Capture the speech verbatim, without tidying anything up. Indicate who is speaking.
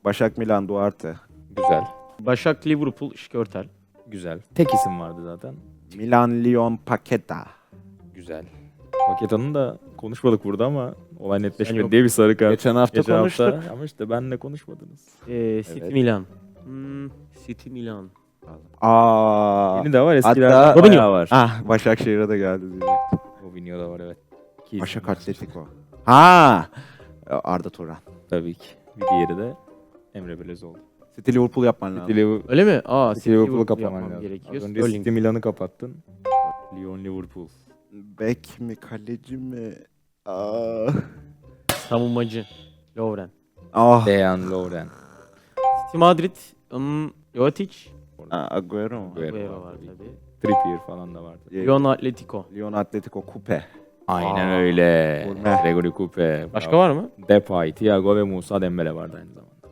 Speaker 1: Başak, Milan, Duarte.
Speaker 2: Güzel.
Speaker 3: Başak, Liverpool, Şikörtel.
Speaker 2: Güzel. Tek isim vardı zaten.
Speaker 1: Milan, Lyon, Paqueta.
Speaker 2: Güzel. Paketa'nın da konuşmadık burada ama olay
Speaker 3: Sen
Speaker 2: netleşmedi
Speaker 3: yok.
Speaker 2: diye bir sarı kart.
Speaker 1: Geçen hafta
Speaker 2: Geçen
Speaker 1: konuştuk.
Speaker 2: hafta ama işte benle konuşmadınız.
Speaker 3: Ee, City,
Speaker 2: Evet.
Speaker 3: Milan. Hmm, City, Milan.
Speaker 1: Aa.
Speaker 2: Yeni de var, eskilerden
Speaker 1: Hatta-
Speaker 2: bayağı var.
Speaker 1: Ah, Başakşehir'e de geldi diyecektim.
Speaker 2: Robinho da var, evet. İki
Speaker 1: Başak
Speaker 2: isim var.
Speaker 1: Atletico. Ha! Arda Turan.
Speaker 2: Tabii ki. Bir diğeri de Emre Belözoğlu.
Speaker 1: City Liverpool yapman lazım.
Speaker 2: City Liverpool,
Speaker 3: Öyle mi? Aa,
Speaker 2: City Liverpool'u
Speaker 3: Liverpool
Speaker 2: kapaman
Speaker 3: yapmam
Speaker 2: lazım.
Speaker 3: gerekiyor.
Speaker 2: Az önce
Speaker 3: Sterling.
Speaker 2: City Milan'ı kapattın. Lyon Liverpool.
Speaker 1: Bek mi, kaleci mi? Aa.
Speaker 3: Savunmacı. Lovren.
Speaker 1: Ah.
Speaker 2: Dejan Lovren.
Speaker 3: City, Madrid. Um, Jovetic.
Speaker 1: Ah, Agüero mu?
Speaker 2: Agüero.
Speaker 3: Agüero var
Speaker 2: tabii.
Speaker 3: tabii.
Speaker 2: Trippier falan da vardı.
Speaker 3: Lyon, Atletico.
Speaker 1: Lyon Atletico Kupe.
Speaker 2: Aynen
Speaker 3: Aa.
Speaker 2: öyle.
Speaker 1: Gurme.
Speaker 2: Gregory Coupe.
Speaker 3: Başka
Speaker 2: Bravo.
Speaker 3: var mı?
Speaker 2: Depay, Thiago ve Musa Dembele vardı aynı zamanda.